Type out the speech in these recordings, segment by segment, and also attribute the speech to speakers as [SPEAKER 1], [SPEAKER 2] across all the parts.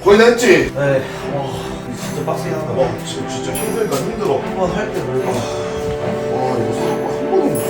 [SPEAKER 1] 거의 다 했지?
[SPEAKER 2] 네. 와, 진짜 빡세게 한다.
[SPEAKER 1] 와 지금 진짜 힘들다 힘들어.
[SPEAKER 2] 한번 할 때 그래.
[SPEAKER 1] 와 이거 써놓고 한 번도 못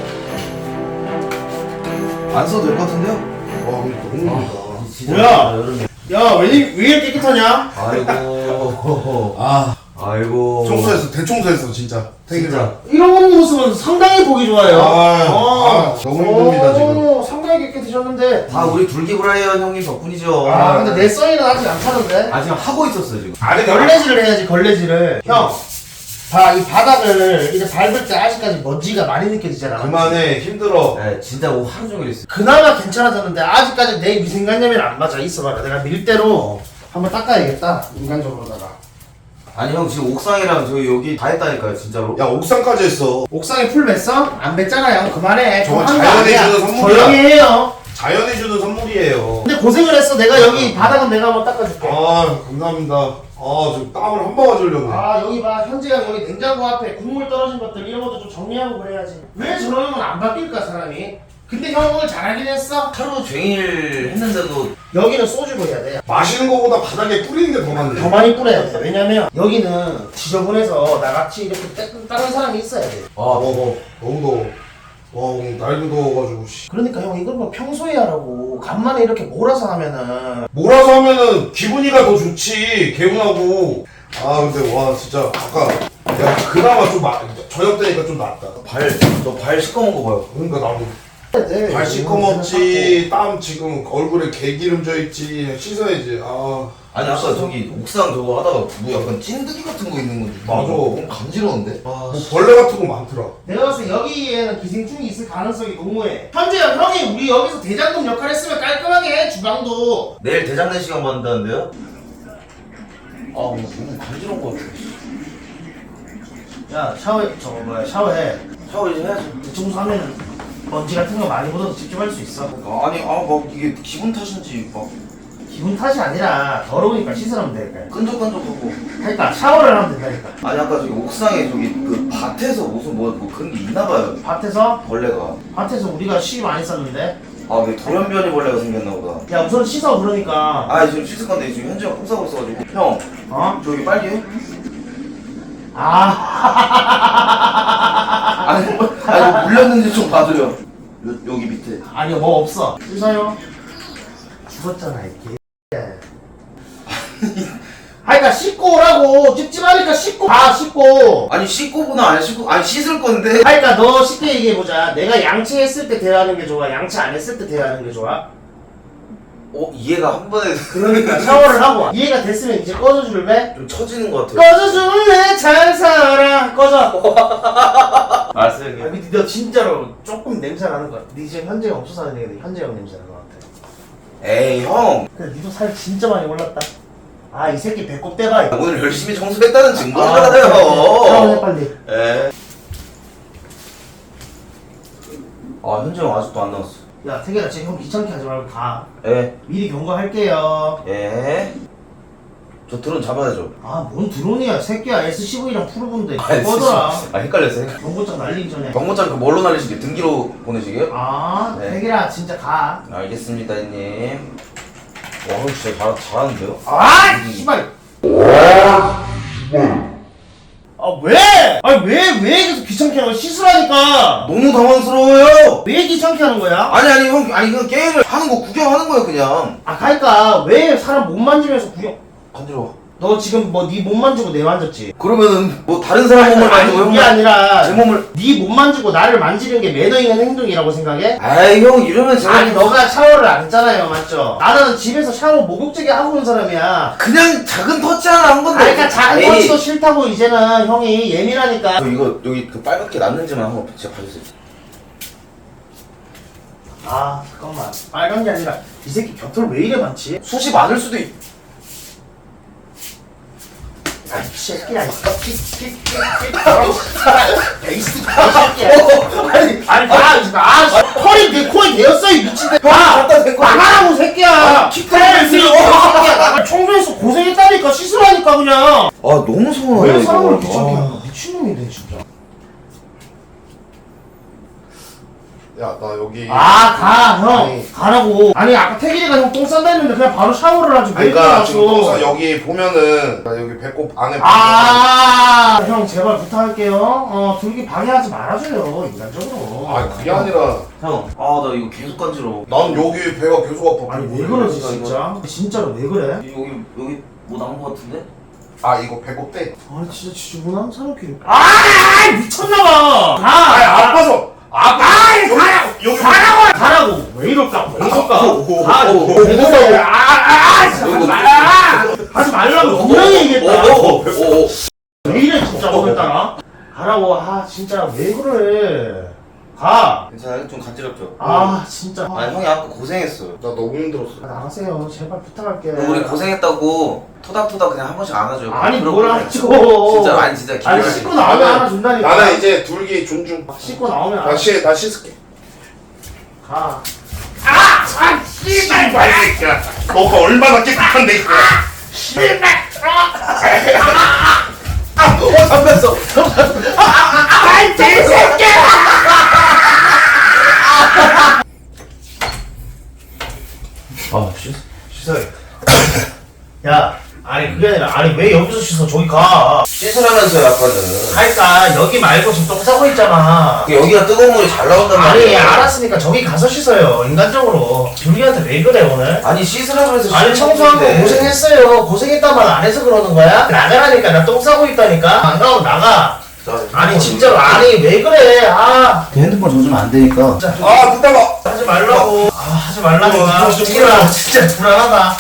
[SPEAKER 1] 써.
[SPEAKER 2] 안 써도 될 것 같은데요?
[SPEAKER 1] 와 근데 너무 힘들다.
[SPEAKER 3] 뭐야? 야, 왜 이렇게 깨끗하냐?
[SPEAKER 2] 아이고.
[SPEAKER 1] 아
[SPEAKER 2] 아이고.
[SPEAKER 1] 청소했어 대청소했어 진짜.
[SPEAKER 2] 진짜.
[SPEAKER 3] 이런 모습은 상당히 보기 좋아요.
[SPEAKER 1] 너무 힘듭니다 지금.
[SPEAKER 3] 상당히 깨끗해졌는데.
[SPEAKER 2] 다 우리 둘기브라이언 형님 덕분이죠.
[SPEAKER 3] 근데 내 써니는 아직 안 타는데?
[SPEAKER 2] 아, 지금 하고 있었어요, 지금.
[SPEAKER 3] 아니, 걸레질을 해야지, 걸레질을. 형, 이 바닥을 이제 밟을 때 아직까지 먼지가 많이 느껴지잖아.
[SPEAKER 1] 그만해 힘들어.
[SPEAKER 2] 네, 진짜 오늘 하루 종일 했어요.
[SPEAKER 3] 그나마 괜찮아졌는데 아직까지 내 위생관념이 안 맞아. 있어봐라. 내가 밀대로 한번 닦아야겠다. 인간적으로다가.
[SPEAKER 2] 아니, 형, 지금 옥상이랑 저희 여기 다 했다니까요, 진짜로.
[SPEAKER 1] 야 옥상까지 했어.
[SPEAKER 3] 옥상에 풀 맸어? 안 맸잖아요. 그만해.
[SPEAKER 1] 저건
[SPEAKER 3] 한거
[SPEAKER 1] 자연이
[SPEAKER 3] 아니야.
[SPEAKER 1] 주는 선물이야.
[SPEAKER 3] 조용히 해요.
[SPEAKER 1] 자연이 주는 선물이에요.
[SPEAKER 3] 근데 고생을 했어. 내가 여기 바닥은 내가 한번 닦아줄게.
[SPEAKER 1] 감사합니다. 지금 땀을 한 방울 흘렸네.
[SPEAKER 3] 여기 봐. 현재가 여기 냉장고 앞에 국물 떨어진 것들 이런 것도 좀 정리하고 그래야지. 왜 저러면 안 바뀔까 사람이? 근데 형 오늘 잘하긴 했어.
[SPEAKER 2] 하루 종일 했는데도.
[SPEAKER 3] 여기는 소주로 해야 돼.
[SPEAKER 1] 마시는 거보다 바닥에 뿌리는 게 더 많네.
[SPEAKER 3] 더 많이 뿌려야 돼. 왜냐면 여기는 지저분해서 나같이 이렇게 다른 사람이 있어야 돼.
[SPEAKER 1] 너무 더워. 와 오늘 날도 더워가지고 씨.
[SPEAKER 3] 그러니까 형 이걸 뭐 평소에 하라고. 간만에 이렇게 몰아서 하면은.
[SPEAKER 1] 몰아서 하면은 기분이가 더 좋지. 개운하고. 근데 와 진짜 아까 야 그나마 좀 저녁 때니까 좀 낫다.
[SPEAKER 2] 너 발 시꺼먼 거 봐요.
[SPEAKER 1] 그러니까 나도
[SPEAKER 3] 돼.
[SPEAKER 1] 발 시커멓지. 땀 지금 얼굴에 개기름 져 있지. 씻어야지.
[SPEAKER 2] 아니, 아까 저기 옥상 저거 하다가 뭐 약간 찐득이 같은 거 있는 건데.
[SPEAKER 1] 맞아.
[SPEAKER 2] 너무 간지러운데?
[SPEAKER 1] 뭐 벌레 같은 거 많더라.
[SPEAKER 3] 내가 봤을 때 여기에는 기생충이 있을 가능성이 너무해. 현재야 형이 우리 여기서 대장금 역할 했으면 깔끔하게 해 주방도.
[SPEAKER 2] 내일 대장내 시간 받는다는데요? 오늘 너무 간지러운 거 같아.
[SPEAKER 3] 야 샤워해.
[SPEAKER 2] 샤워 이제 해야지.
[SPEAKER 3] 청소하면은 먼지 같은 거 많이 묻어서 직접 할 수 있어.
[SPEAKER 2] 막 이게 기분 탓인지 막
[SPEAKER 3] 기분 탓이 아니라 더러우니까 씻으면 되니까.
[SPEAKER 2] 끈적끈적하고.
[SPEAKER 3] 그러니까 샤워를 하면 된다니까.
[SPEAKER 2] 아니, 아까 저기 옥상에 저기 그 밭에서 무슨 뭐 그런 게 있나 봐요. 벌레가.
[SPEAKER 3] 밭에서 우리가 씨 많이 썼는데.
[SPEAKER 2] 왜 돌연변이 벌레가 생겼나 보다.
[SPEAKER 3] 야 우선 씻어 그러니까.
[SPEAKER 2] 지금 씻을 건데 지금 현지가 콩 싸고 있어가지고. 형, 저기 빨리 해. 아니, 뭐 물렸는지 좀 봐줘요. 여기 밑에.
[SPEAKER 3] 아니요 뭐 없어. 씻어요. 죽었잖아 이 개. 그러니까 씻고 오라고. 찝찝하니까 씻고. 씻고.
[SPEAKER 2] 아니, 씻고구나 안 씻고. 씻을 건데.
[SPEAKER 3] 그러니까 너 쉽게 얘기해보자. 내가 양치했을 때 대화하는 게 좋아? 양치 안 했을 때 대화하는 게 좋아?
[SPEAKER 2] 이해가 한 번에
[SPEAKER 3] 그러니까 샤워를 하고 와. 이해가 됐으면 이제 꺼져줄래?
[SPEAKER 2] 좀 처지는 것 같아요.
[SPEAKER 3] 꺼져줄래? 잘 살아. 꺼져.
[SPEAKER 2] 알았어요, 형님.
[SPEAKER 3] 근데 너 진짜로 조금 냄새 나는 것 같아. 네 지금 현재가 없어 사는 얘기인데 현재가 냄새 나는 것 같아.
[SPEAKER 2] 에이, 형.
[SPEAKER 3] 근데 니도 살 진짜 많이 올랐다. 이 새끼 배꼽 떼봐. 이거.
[SPEAKER 2] 오늘 열심히 청소했다는
[SPEAKER 3] 그래.
[SPEAKER 2] 증거잖아요.
[SPEAKER 3] 샤워해 빨리.
[SPEAKER 2] 에. 현재 형 아직도 안 나왔어.
[SPEAKER 3] 야 태계야 지금 형 귀찮게 하지 말고 가.
[SPEAKER 2] 에.
[SPEAKER 3] 미리 경고할게요.
[SPEAKER 2] 에. 저 드론 잡아야죠.
[SPEAKER 3] 뭔 드론이야 새끼야. SCV랑 프로본데 꺼져라.
[SPEAKER 2] 헷갈렸어요.
[SPEAKER 3] 경고장 날리기 전에.
[SPEAKER 2] 경고장 그 뭘로 날리시게? 등기로 보내시게요?
[SPEAKER 3] 네.
[SPEAKER 2] 네.
[SPEAKER 3] 태계야 진짜 가.
[SPEAKER 2] 알겠습니다, 형님. 와, 형 진짜 잘하는데요?
[SPEAKER 3] 씨발. 왜? 왜 계속 귀찮게 하는 거야? 씻으라니까.
[SPEAKER 2] 너무 당황스러워요.
[SPEAKER 3] 왜 귀찮게 하는 거야?
[SPEAKER 2] 아니 형, 그냥 게임을 하는 거 구경하는 거예요, 그냥.
[SPEAKER 3] 그러니까 왜 사람 못 만지면서 구경?
[SPEAKER 2] 간지러워.
[SPEAKER 3] 너 지금 뭐 네 몸 만지고 내 만졌지?
[SPEAKER 2] 그러면은 뭐 다른 사람 몸을 만지고
[SPEAKER 3] 그게 아니라
[SPEAKER 2] 제 몸을.
[SPEAKER 3] 네 몸 만지고 나를 만지는 게 매너 있는 행동이라고 생각해?
[SPEAKER 2] 형 이러면 제가
[SPEAKER 3] 너가 샤워를 안 했잖아요, 맞죠? 나는 집에서 샤워 목욕제게 하고 온 사람이야.
[SPEAKER 2] 그냥 작은 터치 하나 한 건데.
[SPEAKER 3] 그러니까 작은 터치도 싫다고 이제는 형이 예민하니까.
[SPEAKER 2] 이거 여기 그 빨갛게 났는지만 한번 제가 봐주세요.
[SPEAKER 3] 잠깐만. 빨간 게 아니라 이 새끼 곁털 왜 이래 많지?
[SPEAKER 2] 숱이 많을 수도 있.
[SPEAKER 3] 이 새끼야, 이 새끼야. 털이 내 코에 대었어, 이 미친데.
[SPEAKER 2] 갖다 댄 거.
[SPEAKER 3] 나가라고, 새끼야.
[SPEAKER 2] 킥할 수 있어.
[SPEAKER 3] 청소해서 고생했다니까, 씻으라니까, 그냥.
[SPEAKER 2] 너무 서운하네.
[SPEAKER 3] 왜 사람을 귀찮게 하는 거야? 미친놈이네, 진짜.
[SPEAKER 1] 야 나 여기
[SPEAKER 3] 가, 형.
[SPEAKER 1] 아니.
[SPEAKER 3] 가라고. 아니, 아까 태길이가 형 똥 싼다 했는데 그냥 바로 샤워를 하지. 왜
[SPEAKER 1] 그러니까 지금 똥싸
[SPEAKER 3] 그러셨어?
[SPEAKER 1] 여기 보면은 나 여기 배꼽 안에
[SPEAKER 3] 형, 제발 부탁할게요. 둘기 방해하지 말아줘요, 인간적으로.
[SPEAKER 1] 아 그게 아니라
[SPEAKER 2] 형, 아 나 이거 계속 간지러워.
[SPEAKER 1] 난 여기 배가 계속 아파.
[SPEAKER 3] 아니, 왜 그러지, 진짜? 진짜로 왜 그래?
[SPEAKER 2] 여기 뭐 나온 거 같은데?
[SPEAKER 1] 아 이거 배꼽 때.
[SPEAKER 3] 아니, 진짜 지저분한 사람끼리. 미쳤나봐!
[SPEAKER 1] 아 아파서. 여기
[SPEAKER 3] 가라고! 왜 이럴까? 왜 이럴까? 하지 말라고 분명히 얘기했다. 왜 이래 진짜 오늘따라? 가라고. 진짜 왜 그래? 가.
[SPEAKER 2] 괜찮아요? 좀 간지럽죠?
[SPEAKER 3] 진짜.
[SPEAKER 2] 아니 형이 아까 고생했어요.
[SPEAKER 1] 나 너무 힘들었어.
[SPEAKER 3] 나가세요. 제발 부탁할게.
[SPEAKER 2] 우리 고생했다고 토닥토닥 그냥 한 번씩 안아줘요.
[SPEAKER 3] 아니
[SPEAKER 2] 그럼
[SPEAKER 3] 뭘
[SPEAKER 2] 그래.
[SPEAKER 3] 하죠?
[SPEAKER 2] 진짜 아니 진짜
[SPEAKER 3] 아니
[SPEAKER 2] 기분이
[SPEAKER 3] 씻고 나오면 하나 준다니까.
[SPEAKER 1] 나는 이제 둘기 존중.
[SPEAKER 3] 씻고 나오면
[SPEAKER 1] 나 씻을게.
[SPEAKER 3] 가.
[SPEAKER 1] 씨발 새끼야. 너가 얼마나 깨끗한데 이거.
[SPEAKER 2] 담겼어.
[SPEAKER 1] 씻어야겠다.
[SPEAKER 3] 야, 아니 그게 아니라 왜 여기서 씻어? 저기 가.
[SPEAKER 2] 씻으라면서요 아까는.
[SPEAKER 3] 그러니까 여기 말고 지금 똥 싸고 있잖아.
[SPEAKER 2] 여기가 뜨거운 물이 잘 나온단
[SPEAKER 3] 아니
[SPEAKER 2] 말이에요.
[SPEAKER 3] 알았으니까 저기 가서 씻어요. 인간적으로. 둘이한테 왜 그래 오늘?
[SPEAKER 2] 아니 씻으라고 해서
[SPEAKER 3] 아니 청소한 거 고생했어요. 고생했단 말 안 해서 그러는 거야? 나가라니까. 나 똥 싸고 있다니까. 안 가고 나가. 아니 진짜로 왜 그래?
[SPEAKER 2] 핸드폰 젖으면 안 되니까.
[SPEAKER 1] 듣다가.
[SPEAKER 3] 하지 말라고. 하지 말라니까.
[SPEAKER 1] 좀
[SPEAKER 3] 진짜 불안하다.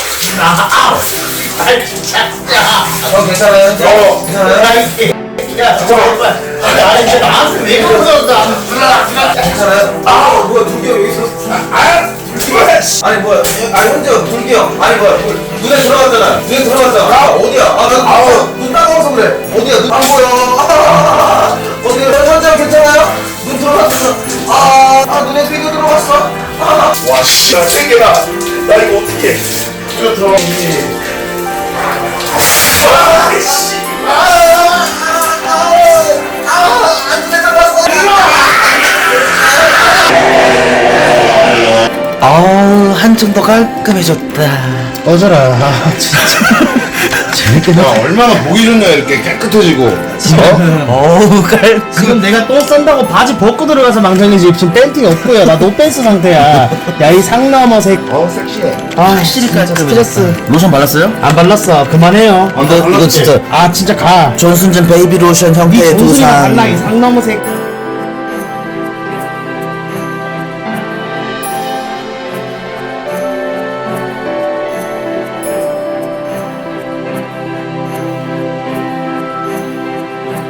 [SPEAKER 3] 진짜.
[SPEAKER 2] 형 괜찮아요? 괜찮아요?
[SPEAKER 3] 야, 잠깐만. 아니, 진짜 나한테 왜 그러는다.
[SPEAKER 2] 괜찮아요? 뭐야 둘기 형 여기 있었어? 아니 뭐야 형제 둘기 형 아니 뭐야 눈에 들어갔잖아. 눈에 들어갔잖아. 어디야? 나눈 따가워서 그래. 어디야? 눈 안 보여. 어디야? 형제 형 괜찮아요? 눈 들어갔어. 눈에 피도 들어갔어.
[SPEAKER 1] 와 씨발 세 개나. 나 이거 어떻게? 이거 들어가니?
[SPEAKER 2] 한층 더 깔끔해졌다.
[SPEAKER 3] 꺼져라. 진짜. 재밌게
[SPEAKER 1] 야 얼마나 보기 좋냐 이렇게 깨끗해지고.
[SPEAKER 3] 지금 내가 똥 싼다고 바지 벗고 들어가서 망정이지. 지금 팬티 없고요. 나 노팬스 상태야. 야, 이 상남어 색.
[SPEAKER 2] 색시해.
[SPEAKER 3] 시리까지 스트레스.
[SPEAKER 2] 로션 발랐어요?
[SPEAKER 3] 안 발랐어. 그만해요.
[SPEAKER 2] 근데 이거 진짜
[SPEAKER 3] 진짜 가.
[SPEAKER 2] 존슨전 베이비 로션 형태의
[SPEAKER 3] 이
[SPEAKER 2] 두
[SPEAKER 3] 동순이가
[SPEAKER 2] 상.
[SPEAKER 3] 발라. 이 상남어 색.